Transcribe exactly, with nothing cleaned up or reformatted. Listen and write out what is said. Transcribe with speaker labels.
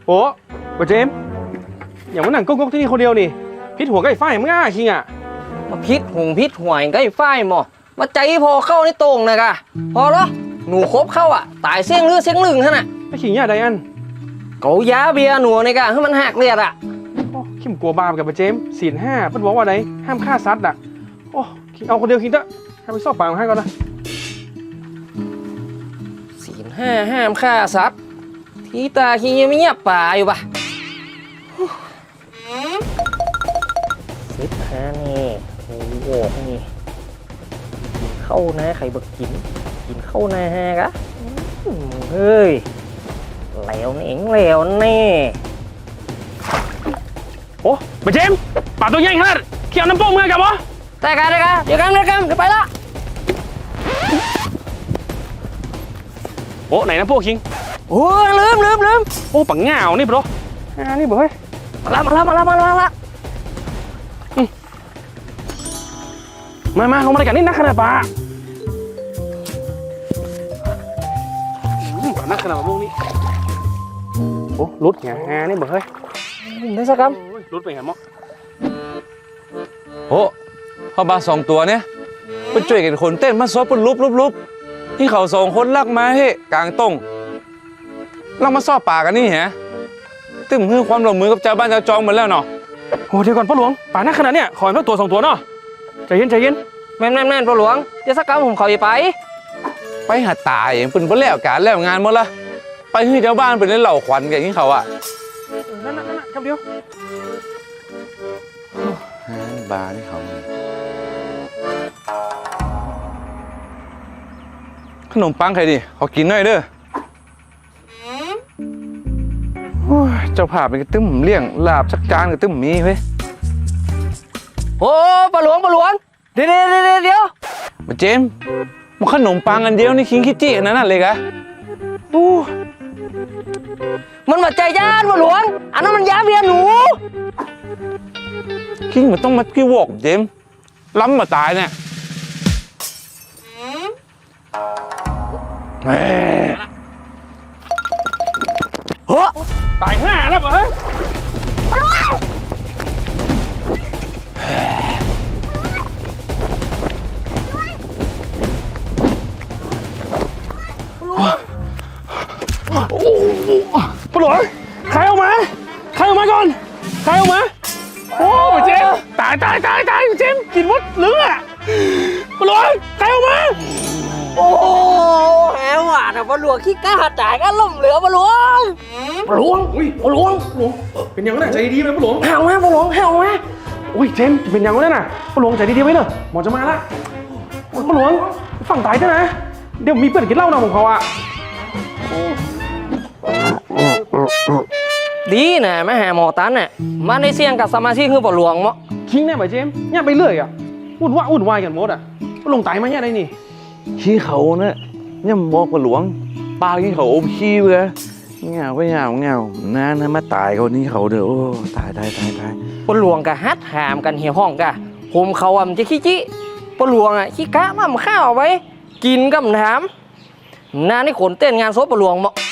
Speaker 1: โอ้บเจมอย่างมันหนังก๊กๆที่นี่คนเดียวนี่พิษหัวใกล้ไฟมึงอ่ะคิงอ่ะ
Speaker 2: มาพิษหุงพิษห่วยใกล้ไฟหมอมาใจพอเข้าในโต่งนะกะพอแล้วหนูคบเข้าอ่ะตายเสี่ยงลือเสี่ยงลึงท่านน่ะ
Speaker 1: ไอ้คิงเนี่ยไดอัน
Speaker 2: เกายาเบียหนูในกะให้มันหักเลียดอ่ะ
Speaker 1: คิมกลัวบาปกับบเจมศีลห้าเพิ่นบอกว่าไดห้ามฆ่าสัตว์อ่ะโอ้คิงเอาคนเดียวคิงเถอะให้ไปสอบปากให้ก่อนนะ
Speaker 2: ศีลห้าห้ามฆ่าสัตว์ที่ตาคิงยังไม่เงียบป่าอยู่ปะสิบห้านี่โอ้โหนี่เข้านะใครบักกินกินเข้านะฮะกะเฮ้ยแล้วนี่เองแล้วนี่
Speaker 1: โอ้บเจมป่าตัวใหญ่ขนาดเขียวน้ำโป้งมือกับวะ
Speaker 2: ได้กันได้กันเดี๋ยวกันเดี๋ยวกันเดี๋ยวไปละ
Speaker 1: โอ้ไหนน้ำโป้งคิง
Speaker 2: โอ้ลืมลืมลืม
Speaker 1: โอ้ปังเงานี่ปะอ่านี่บ่เฮ้ย
Speaker 2: มาละมาละมาละมาละมาละ
Speaker 1: มามาเขามาด้วยกันนี่นักขนาดป่าป่านักขนาดพวกนี้โอ้รุดไงอ่านี่บ่เฮ้ย
Speaker 2: ได้สักค
Speaker 1: ำรุดไปไงมั้ง
Speaker 3: โอ้เขาบาสองตัวเนี่ยไปช่วยกันคนเต้นมาซบเป็นลุบลุบลุบที่เขาสองคนลักมาเฮ้กลางตรงลักมาซ่อป่ากันนี่ฮะตึ้มคือความร่วมมือกับเจ้าบ้านเจ้าจองหมดแล้วเนาะ
Speaker 1: โอ้เดี๋ยวก่อนพ่อหลวงป่านักขนาดเนี้ยขอให้สักตัวสองตัวเนาะใจเย็นใจเย็น
Speaker 2: แม่นแม่นแม่นพ่อหลวงเดี๋ยวสักคำผมขอไป
Speaker 3: ไปหาตายอย่างเป็นเพื่อแล้วการแล้วงานหมดละไปให้เจ้าบ้านเป็นเล่นเหล่าขวัญกันที่เขาอ่ะ
Speaker 1: นั่นนั่นนั่นคำเดียว
Speaker 3: บาร์ที่เขาขนมปังใครดิขอกินหน่อยเด้อเจ้าภาพเป็นกระตึ้มเลี้ยงลาบสักจานกระตึ้มมีเว้ย
Speaker 2: โอ้พ่อหลวงพ่อหลวงเดี๋ยวเดี๋ยวเดี๋ยว
Speaker 3: มาเจมมันขนมปังอันเดียวนี่คิงคิดจี้อันนั้นเลยกะ
Speaker 2: ดูมันมาใจย่านพ่อหลวงอันนั้นมันยาเบียหนู
Speaker 3: คิงมันต้องมากี้วอกเจมล้ำมาตายเนี่ย
Speaker 1: เฮ้ยตายห่าแล้วเหรอพ่อหลวงใครออกมาใครออกมาก่อนใครออกมาโอ้เจมตายตายตายตายเจมกินมดเลือดพ่อหลวงใครออกมา
Speaker 2: โอ้แหวหวานอ่ะพ่อหลวงขี้กล้าจ่ายก็ล่มเหลือพ่อหลวง
Speaker 1: พ่อหลวงอุ้ยพ่อหลวงหลวงเป็นยังไงใจดีไหมพ่อหลวง
Speaker 2: ห่าวมาพ่อหลวงห่าวมา
Speaker 1: อุ้ยเจมเป็นยังไงน่ะพ่อหลวงใจดีๆไว้เนอะหมอจะมาละพ่อหลวงฝั่งตายใช่ไหมเดี๋ยวมีเพื่อนกินเหล้าหน่อยของเขาอ่ะ
Speaker 2: ดีนะแม่หาหมอตันน่ะมาในเสี่ยงกับสมาชิกคือพ่อหลวงมั้ง
Speaker 1: คิงแน่ไหมเจมเนี่ยไปเรื่อยอ่ะวุ่นวายวุ่นวายกันหมดอ่ะพ่อหลวงตายมาเนี่ยได้นี่
Speaker 3: ขี้เขาเนี่ยย่ำบอกว่าหลวงปลาขี้เขาอมขี้เว้ยเงาไปเงาเงาน้านะมาตายคนนี้เขาเด้อโอ้ตายตายตายตาย
Speaker 2: พ่อหลวงกะฮัดหามกันเหี่ยวห้องกะผมเขาอ่ะมันจะขี้จี้พ่อหลวงอ่ะขี้กะมั่มข้าวไว้กินกับน้ำน้านี่ขนเต้นงานศพพ่อหลวงมั้ง